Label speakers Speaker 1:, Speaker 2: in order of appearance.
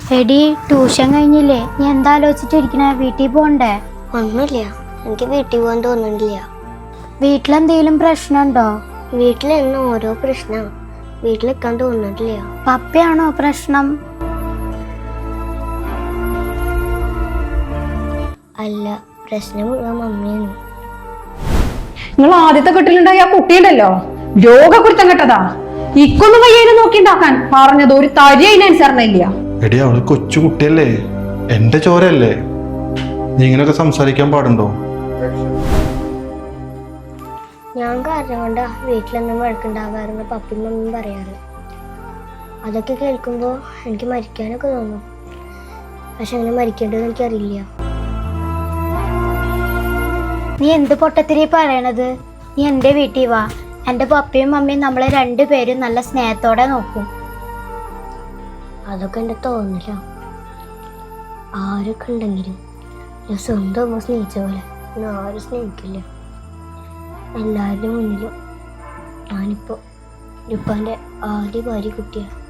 Speaker 1: എടി ട്യൂഷൻ കഴിഞ്ഞില്ലേ? നീ എന്താ ആലോചിച്ചിട്ടിരിക്കണേ? വീട്ടിൽ പോണ്ടേ?
Speaker 2: ഒന്നുമില്ല, എനിക്ക് വീട്ടിൽ പോകാൻ തോന്നുന്നില്ല.
Speaker 1: വീട്ടിലെന്തെങ്കിലും പ്രശ്നമുണ്ടോ?
Speaker 2: വീട്ടിലെന്നും ഓരോ പ്രശ്നം, വീട്ടിൽ നിൽക്കാൻ തോന്നുന്നില്ല.
Speaker 1: പപ്പയാണോ പ്രശ്നം?
Speaker 2: അല്ല, പ്രശ്നം മുഴുവൻ മമ്മിയാണ്.
Speaker 3: നിങ്ങൾ ആദ്യത്തെ കെട്ടിലുണ്ടായ ആ കുട്ടിയുണ്ടല്ലോ, രോഗക്കുരുത്തം കെട്ടതാ. ഇക്കൊന്നും വയ്യേനെ നോക്കിണ്ടാക്കാൻ പറഞ്ഞത് ഒരു തരി അതിനനുസരണയില്ല.
Speaker 4: എടി, അവള് കൊച്ചു കുട്ടിയല്ലേ, എന്റെ ചോരല്ലേ, നീ ഇങ്ങനെയൊക്കെ സംസാരിക്കാൻ പാടുണ്ടോ?
Speaker 2: ഞാൻ കാരണം കൊണ്ടാ വീട്ടിലൊന്നും വഴക്കുണ്ടാവാറുണ്ട് പപ്പയും മമ്മിയും പറയാറ്. അതൊക്കെ കേൾക്കുമ്പോൾ എനിക്ക് മരിക്കാനൊക്കെ തോന്നും. പക്ഷെ അങ്ങനെ മരിക്കേണ്ടതെന്ന് എനിക്കറിയില്ല.
Speaker 1: നീ എന്ത് പൊട്ടത്തിരി പറയണത്? നീ എൻ്റെ വീട്ടിൽ വാ. എൻ്റെ പപ്പയും മമ്മിയും നമ്മളെ രണ്ടുപേരും നല്ല സ്നേഹത്തോടെ നോക്കും.
Speaker 2: അതൊക്കെ എൻ്റെ തോന്നില്ല. ആരൊക്കെ ഉണ്ടെങ്കിലും ഞാൻ സ്വന്തം അമ്മ സ്നേഹിച്ച പോലെ ഞാൻ ആരും സ്നേഹിക്കില്ല. എല്ലാവരുടെ മുന്നിലും ഞാനിപ്പോൾ ഉപ്പാൻ്റെ ആദ്യ ഭാര്യ കുട്ടിയാണ്.